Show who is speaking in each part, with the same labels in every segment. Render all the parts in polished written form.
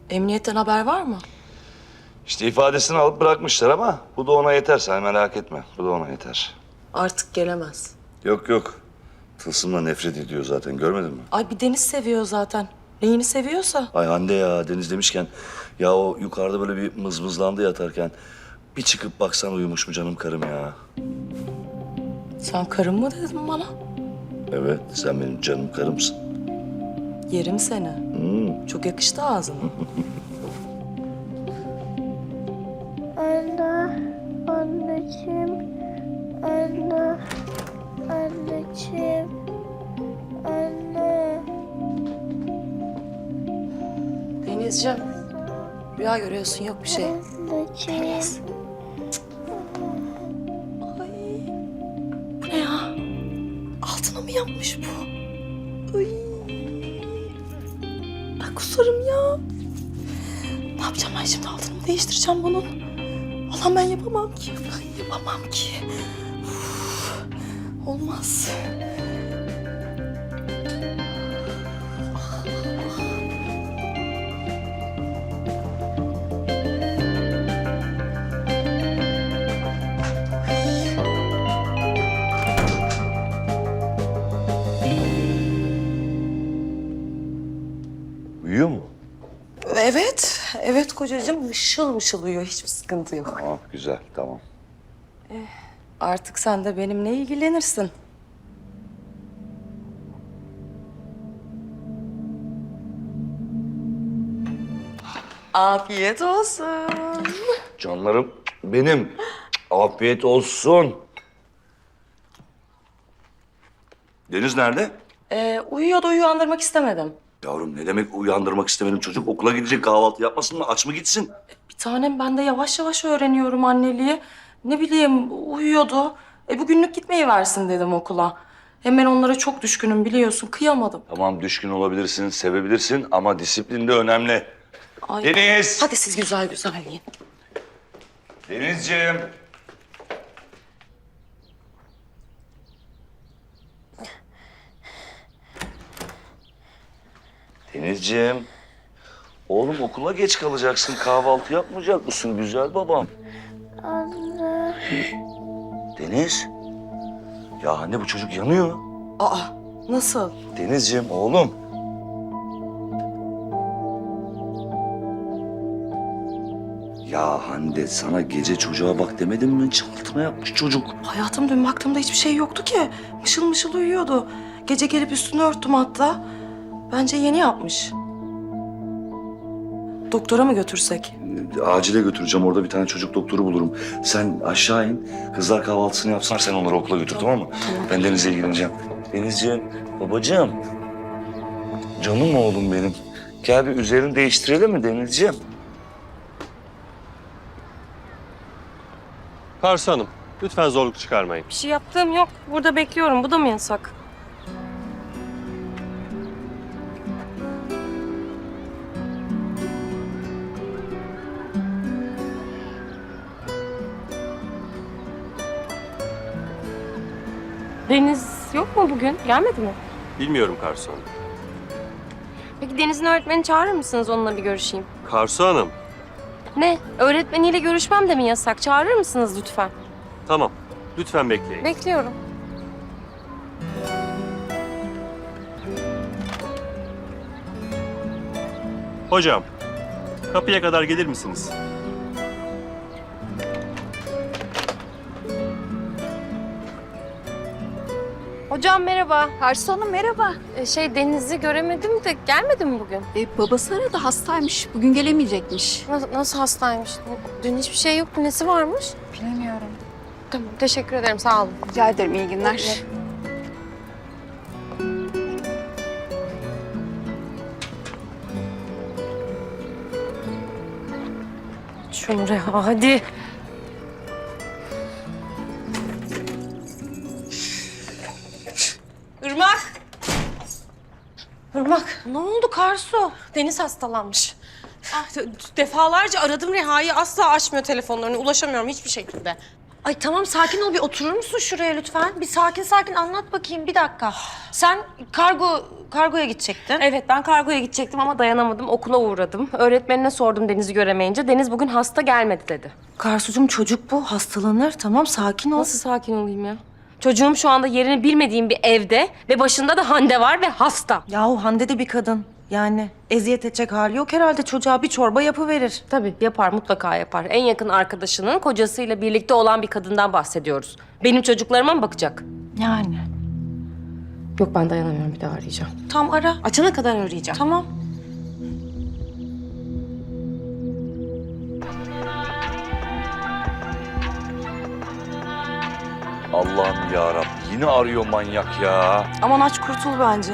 Speaker 1: Emniyetten haber var mı?
Speaker 2: İşte ifadesini alıp bırakmışlar ama bu da ona yeter, sen merak etme. Bu da ona yeter.
Speaker 1: Artık gelemez.
Speaker 2: Yok. Tılsım'la nefret ediyor zaten, görmedin mi?
Speaker 1: Ay bir Deniz seviyor zaten. Neyini seviyorsa.
Speaker 2: Ay Hande ya, Deniz demişken... Ya o yukarıda böyle bir mızmızlandı yatarken... Bir çıkıp baksan uyumuş mu canım karım ya?
Speaker 1: Sen karım mı dedin bana?
Speaker 2: Evet, sen benim canım karımsın.
Speaker 1: Yerim seni. Çok yakıştı ağzına.
Speaker 3: Anne, anneciğim, anne, anneciğim, anne.
Speaker 1: Denizciğim. Rüya görüyorsun, yok bir şey.
Speaker 3: Anneciğim.
Speaker 1: Deniz. Ay. Bu ne ya? Altına mı yapmış bu? Ay. Ben kusarım ya. Ne yapacağım ben şimdi? Altını mı değiştireceğim bunun? Allah'ım ben yapamam ki. Ben yapamam ki. Uf, olmaz.
Speaker 2: Uyuyor mu?
Speaker 1: Evet kocacığım mışıl mışıl uyuyor. Hiçbir sıkıntı yok.
Speaker 2: Ah güzel, tamam.
Speaker 1: Artık sen de benimle ilgilenirsin. Afiyet olsun.
Speaker 2: Canlarım benim. Afiyet olsun. Deniz nerede?
Speaker 1: Uyuyordu, uyandırmak istemedim.
Speaker 2: Yavrum ne demek uyandırmak istemedim? Çocuk okula gidecek, kahvaltı yapmasın mı? Aç mı gitsin?
Speaker 1: Bir tanem ben de yavaş yavaş öğreniyorum anneliği. Ne bileyim uyuyordu. Bugünlük gitmeyi versin dedim okula. Hem ben onlara çok düşkünüm biliyorsun. Kıyamadım.
Speaker 2: Tamam düşkün olabilirsin, sevebilirsin ama disiplin de önemli.
Speaker 1: Ay.
Speaker 2: Deniz!
Speaker 1: Hadi siz güzel güzel yiyin.
Speaker 2: Denizciğim! Denizciğim! Oğlum okula geç kalacaksın. Kahvaltı yapmayacak mısın güzel babam?
Speaker 3: Anne.
Speaker 2: Deniz! Ya anne bu çocuk yanıyor.
Speaker 1: Aa nasıl?
Speaker 2: Denizciğim oğlum. Ya Hande sana gece çocuğa bak demedim mi? Altına yapmış çocuk.
Speaker 1: Hayatım dün baktığımda hiçbir şey yoktu ki. Mışıl mışıl uyuyordu. Gece gelip üstünü örttüm hatta. Bence yeni yapmış. Doktora mı götürsek?
Speaker 2: Acile götüreceğim. Orada bir tane çocuk doktoru bulurum. Sen aşağı in. Kızlar kahvaltısını yapsınlar. Sen onları okula götür tamam mı?
Speaker 1: Tamam.
Speaker 2: Ben Deniz'le ilgileneceğim. Denizciğim, babacığım. Canım oğlum benim. Gel bir üzerini değiştirelim mi Denizciğim?
Speaker 4: Karsu Hanım, lütfen zorluk çıkarmayın.
Speaker 5: Bir şey yaptığım yok. Burada bekliyorum. Bu da mı yasak? Deniz yok mu bugün? Gelmedi mi?
Speaker 4: Bilmiyorum Karsu Hanım.
Speaker 5: Peki Deniz'in öğretmeni çağırır mısınız? Onunla bir görüşeyim.
Speaker 4: Karsu Hanım,
Speaker 5: Ne? Öğretmeniyle görüşmem de mi yasak? Çağırır mısınız lütfen?
Speaker 4: tamam. Lütfen bekleyin.
Speaker 5: Bekliyorum.
Speaker 4: Hocam, kapıya kadar gelir misiniz?
Speaker 5: Hocam merhaba.
Speaker 6: Karsu Hanım merhaba.
Speaker 5: Deniz'i göremedim de gelmedi mi bugün?
Speaker 6: Babası aradı hastaymış. Bugün gelemeyecekmiş.
Speaker 5: Nasıl hastaymış? Dün hiçbir şey yoktu. Nesi varmış?
Speaker 6: Bilemiyorum.
Speaker 5: Tamam, teşekkür ederim. Sağ olun.
Speaker 6: Rica ederim iyi günler.
Speaker 5: Şunu Reha, hadi. Irmak! Irmak, ne oldu Karsu? Deniz hastalanmış.
Speaker 7: Defalarca aradım Reha'yı, asla açmıyor telefonlarını, ulaşamıyorum hiçbir şekilde. Ay tamam sakin ol, bir oturur musun şuraya lütfen? Bir sakin sakin anlat bakayım, bir dakika. Sen kargoya gidecektin.
Speaker 5: Evet, ben kargoya gidecektim ama dayanamadım. Okula uğradım. Öğretmenine sordum Deniz'i göremeyince. Deniz bugün hasta gelmedi dedi.
Speaker 7: Karsucuğum çocuk bu, hastalanır. Tamam sakin ol.
Speaker 5: Nasıl sakin olayım ya? Çocuğum şu anda yerini bilmediğim bir evde ve başında da Hande var ve hasta.
Speaker 7: Yahu Hande de bir kadın. Yani eziyet edecek hali yok herhalde, çocuğa bir çorba yapıverir.
Speaker 5: Tabii yapar, mutlaka yapar. En yakın arkadaşının kocasıyla birlikte olan bir kadından bahsediyoruz. Benim çocuklarıma mı bakacak?
Speaker 7: Yani.
Speaker 5: Yok, ben dayanamıyorum, bir daha arayacağım.
Speaker 7: Tam ara.
Speaker 5: Açana kadar arayacağım.
Speaker 7: Tamam.
Speaker 2: Allah'ım yarabbim, yine arıyor manyak ya.
Speaker 7: Aman aç kurtul bence.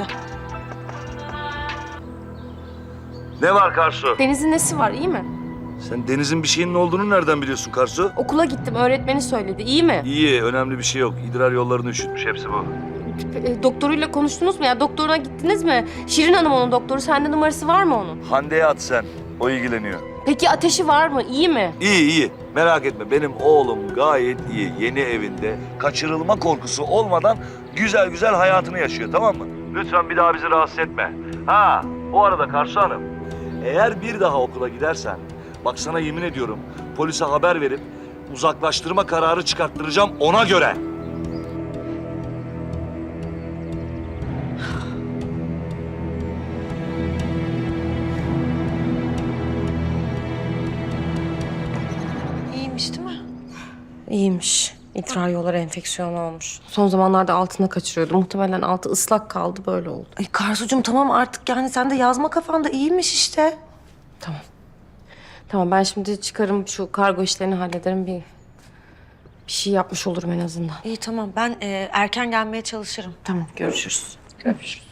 Speaker 2: Ne var Karsu?
Speaker 5: Deniz'in nesi var, iyi mi?
Speaker 2: Sen Deniz'in bir şeyinin olduğunu nereden biliyorsun Karsu?
Speaker 5: Okula gittim, öğretmeni söyledi. İyi mi?
Speaker 2: İyi, önemli bir şey yok. İdrar yollarını üşütmüş, hepsi bu.
Speaker 5: Doktoruyla konuştunuz mu ya? Doktoruna gittiniz mi? Şirin Hanım onun doktoru. Sende numarası var mı onun?
Speaker 2: Hande'ye at sen, o ilgileniyor.
Speaker 5: Peki ateşi var mı? İyi mi?
Speaker 2: İyi iyi, merak etme. Benim oğlum gayet iyi. Yeni evinde kaçırılma korkusu olmadan güzel güzel hayatını yaşıyor, tamam mı? Lütfen bir daha bizi rahatsız etme. Ha, bu arada Karsu Hanım, eğer bir daha okula gidersen, bak sana yemin ediyorum, polise haber verip uzaklaştırma kararı çıkarttıracağım ona göre.
Speaker 7: İyiymiş değil mi?
Speaker 5: İyiymiş. İdrar yolları enfeksiyonu olmuş. Son zamanlarda altına kaçırıyordu. Muhtemelen altı ıslak kaldı, böyle oldu.
Speaker 7: Ay Karsucuğum tamam artık, yani sen de yazma kafanda, iyiymiş işte.
Speaker 5: Tamam. Tamam, ben şimdi çıkarım, şu kargo işlerini hallederim. Bir şey yapmış olurum en azından.
Speaker 7: İyi tamam, ben erken gelmeye çalışırım.
Speaker 5: Tamam, görüşürüz. Görüşürüz.